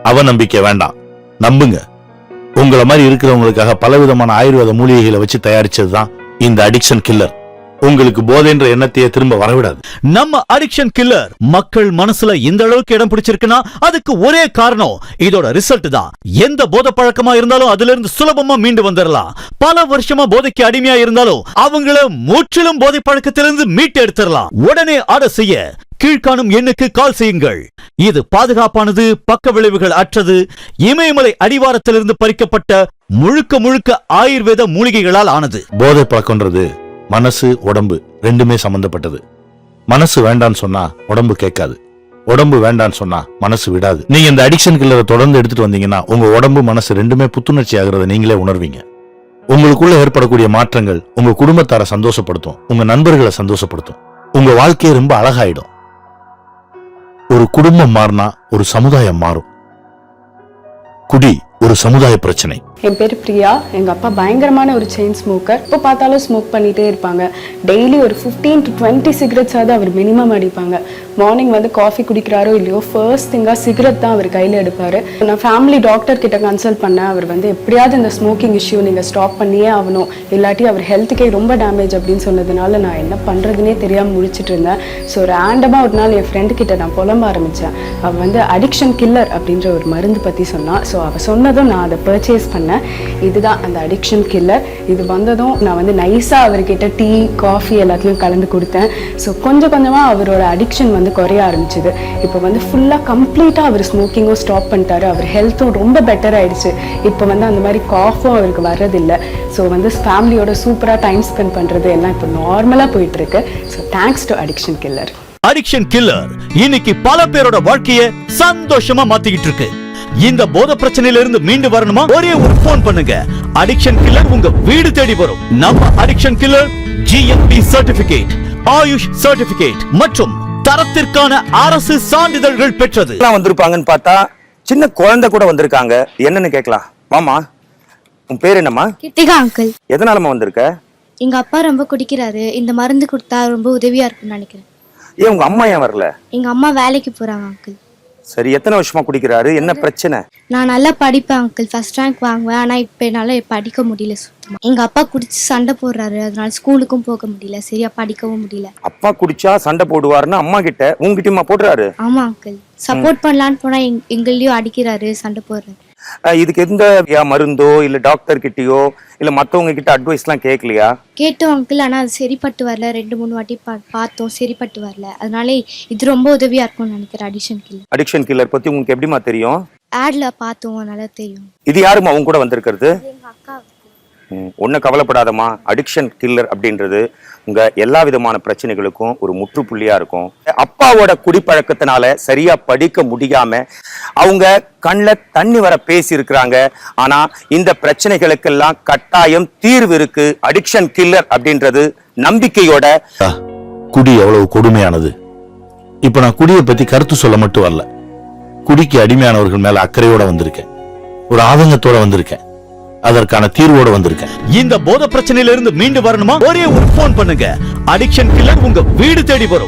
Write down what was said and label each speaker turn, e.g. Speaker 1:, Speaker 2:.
Speaker 1: அவநம்பிக்கை வேண்டாம், நம்புங்க. உங்களை மாதிரி இருக்கிறவங்களுக்காக பலவிதமான ஆயுர்வேத மூலிகைகளை வச்சு தயாரிச்சதுதான் இந்த அடிக்ஷன் கில்லர். உங்களுக்கு போதைன்ற எண்ணத்தையே திரும்ப வரவிடாது.
Speaker 2: நம்ம அடிக்ஷன் கில்லர் மக்கள் மனசுல இந்த அளவுக்கு இடம் பிடிச்சிருக்குன்னா அதுக்கு ஒரே காரணம் இதோட ரிசல்ட் தான். எந்த போதை பழக்கமா இருந்தாலும் அதுல இருந்து சுலபமா மீண்டு வந்துடலாம். பல வருஷமா போதைக்கு அடிமையா இருந்தாலும் அவங்கள முற்றிலும் போதை பழக்கத்திலிருந்து மீட்டு எடுத்துடலாம். உடனே ஆர்டர் செய்ய கீழ்காணும் எண்ணுக்கு கால் செய்யுங்கள். இது பாதுகாப்பானது, பக்க விளைவுகள் அற்றது, இமயமலை அடிவாரத்திலிருந்து பறிக்கப்பட்ட முழுக்க முழுக்க ஆயுர்வேத மூலிகைகளால் ஆனது.
Speaker 1: போதை பழக்கம்ன்றது மனசு உடம்பு ரெண்டுமே சம்பந்தப்பட்டது. மனசு வேண்டான்னு சொன்னா உடம்பு கேட்காது, உடம்பு வேண்டான்னு சொன்னா மனசு விடாது. நீங்க இந்த அடிக்ஷன் கில்லரை தொடர்ந்து எடுத்துட்டு வந்தீங்கன்னா உங்க உடம்பு மனசு ரெண்டுமே புத்துணர்ச்சி ஆகிறத நீங்களே உணர்வீங்க. உங்களுக்குள்ள ஏற்படக்கூடிய மாற்றங்கள் உங்க குடும்பத்தார சந்தோஷப்படுத்தும், உங்க நண்பர்களை சந்தோஷப்படுத்தும், உங்க வாழ்க்கையை ரொம்ப அழகாயிடும். ஒரு குடும்பம் மாறினா ஒரு சமுதாயம் மாறும். குடி ஒரு சமுதாய பிரச்சனை.
Speaker 3: என் பேர் பிரியா. எங்கள் அப்பா பயங்கரமான ஒரு செயின் ஸ்மோக்கர். இப்போ பார்த்தாலும் ஸ்மோக் பண்ணிகிட்டே இருப்பாங்க. டெய்லி ஒரு 15 to 20 சிகரெட்ஸாவது அவர் மினிமம் அடிப்பாங்க. மார்னிங் வந்து காஃபி குடிக்கிறாரோ இல்லையோ ஃபர்ஸ்ட் திங்காக சிகரெட் தான் அவர் கையில் எடுப்பார். நான் ஃபேமிலி டாக்டர் கிட்ட கன்சல்ட் பண்ணேன். அவர் வந்து எப்படியாவது இந்த ஸ்மோக்கிங் இஷ்யூ நீங்கள் ஸ்டாப் பண்ணியே ஆகணும், இல்லாட்டி அவர் ஹெல்த்துக்கே ரொம்ப டேமேஜ் அப்படின்னு சொன்னதுனால நான் என்ன பண்ணுறதுனே தெரியாமல் முடிச்சுட்டு இருந்தேன். ஸோ ரேண்டமாக ஒரு நாள் என் ஃப்ரெண்டு கிட்ட நான் புலம்ப ஆரம்பித்தேன். அவள் வந்து அடிக்ஷன் கில்லர் அப்படின்ற ஒரு மருந்து பற்றி சொன்னான். ஸோ அவள் சொன்னதும் நான் அதை பர்ச்சேஸ் பண்ணேன். இதுதான் அந்த அடிக்ஷன் கில்லர். இது வந்ததும் நான் வந்து நைஸாக அவர்கிட்ட டீ காஃபி எல்லாத்துலேயும் கலந்து கொடுத்தேன். ஸோ கொஞ்சம் கொஞ்சமாக அவரோட அடிக்ஷன் வந்து குறைய ஆரம்பிச்சுது. இப்போ வந்து ஃபுல்லாக கம்ப்ளீட்டாக அவர் ஸ்மோக்கிங்கும் ஸ்டாப் பண்ணிட்டாரு. அவர் ஹெல்த்தும் ரொம்ப பெட்டர் ஆயிடுச்சு. இப்போ வந்து அந்த மாதிரி காஃபும் அவருக்கு வர்றதில்லை. ஸோ வந்து ஃபேமிலியோட சூப்பராக டைம் ஸ்பெண்ட் பண்ணுறது எல்லாம் இப்போ நார்மலாக போயிட்டு இருக்கு. So thanks to addiction killer.
Speaker 2: Addiction killer இன்னைக்கு பல பேரோட வாழ்க்கையை சந்தோஷமா மாத்திக்கிட்டு இருக்கு. இந்த போதை பிரச்சனையில இருந்து மீண்டு வரணுமா? ஒரே ஒரு போன் பண்ணுங்க, அடிக்ஷன் கில்லர் உங்க வீடு தேடி வரும். நம்ம addiction killer GMP certificate, AYUSH certificate மற்றும் தரத்திற்கான அரசு சான்றிதழ்கள் பெற்றது.
Speaker 4: வந்திருப்பாங்கன்னு பார்த்தா சின்ன குழந்தை கூட வந்திருக்காங்க. என்னன்னு கேட்கலாம். மாமா, உன் பேர் என்னம்மா?
Speaker 5: கிருத்திகா அங்கிள்.
Speaker 4: எதனாலமா வந்திருக்க?
Speaker 5: எங்க அப்பா ரொம்ப குடிக்கிறாரு. இந்த மருந்து கொடுத்தா ரொம்ப உதவியா இருக்கும்னு நினைக்கிறேன்.
Speaker 4: ஏன் உங்க அம்மா ஏன் வரல?
Speaker 5: எங்க அம்மா வேலைக்கு போறாங்க அங்கிள்.
Speaker 4: சரி, எத்தனை வருஷமா குடிக்கிறாரு? என்ன பிரச்சனை?
Speaker 5: நான் நல்லா படிப்பேன் அங்கிள், ஃபர்ஸ்ட் ரேங்க் வாங்குவேன். ஆனா இப்ப என்னால படிக்க முடியல சுத்தமா. எங்க அப்பா குடிச்சு சண்டை போடுறாரு, அதனால ஸ்கூலுக்கும் போக முடியல, சரியா படிக்கவும் முடியல.
Speaker 4: அப்பா குடிச்சா சண்டை போடுவாருன்னா அம்மா கிட்ட உங்ககிட்டயுமா போடுறாரு?
Speaker 5: ஆமா அங்கிள், சப்போர்ட் பண்ணலான்னு போனா எங்களையும் அடிக்கிறாரு, சண்டை போடுறாரு.
Speaker 4: இதுக்கு எந்த மருந்தோ இல்ல டாக்டர் கிட்டயோ இல்ல மத்தவங்க கிட்ட அட்வைஸ் எல்லாம் கேட்கலையா?
Speaker 5: கேட்டோம் அங்கிள், ஆனா அது சரிப்பட்டு வரல. 2-3 வாட்டி பார்த்தோம், சரிப்பட்டு வரல. அதனால இது ரொம்ப உதவியா இருக்கும்னு நினைக்கிறேன் அடிக்ஷன் கில்லர்.
Speaker 4: அடிக்ஷன் கில்லர் பத்தி உங்களுக்கு எப்படிமா தெரியும்?
Speaker 5: ஆட்ல பார்த்தோம், அதனால தெரியும்.
Speaker 4: இது யாருமா அவங்க கூட வந்திருக்கிறது?
Speaker 5: எங்க அக்கா.
Speaker 4: ஒன்னும் கவலைப்படாதமா. அடிக்ஷன் கில்லர் அப்படின்றது உங்க எல்லா விதமான பிரச்சனைகளுக்கும் ஒரு முற்றுப்புள்ளியா இருக்கும். அப்பாவோட குடிப்பழக்கத்தினால சரியா படிக்க முடியாம அவங்க கண்ணுல தண்ணி வர பேசி இருக்கிறாங்க. ஆனா இந்த பிரச்சனைகளுக்கெல்லாம் கட்டாயம் தீர்வு இருக்கு. அடிக்ஷன் கில்லர் அப்படின்றது நம்பிக்கையோட.
Speaker 1: குடி எவ்வளவு கொடுமையானது. இப்ப நான் குடியை பத்தி கருத்து சொல்ல மட்டும் வரல, குடிக்கு அடிமையானவர்கள் மேல அக்கறையோட வந்திருக்கேன், ஒரு ஆதங்கத்தோட வந்திருக்கேன், அதற்கான தீர்வோட வந்திருக்கேன்.
Speaker 2: இந்த போதை பிரச்சனையில இருந்து மீண்டு வரணுமா? ஒரே ஒரு போன் பண்ணுங்க, அடிக்ஷன் கில்லர் உங்க வீடு தேடி வரும்.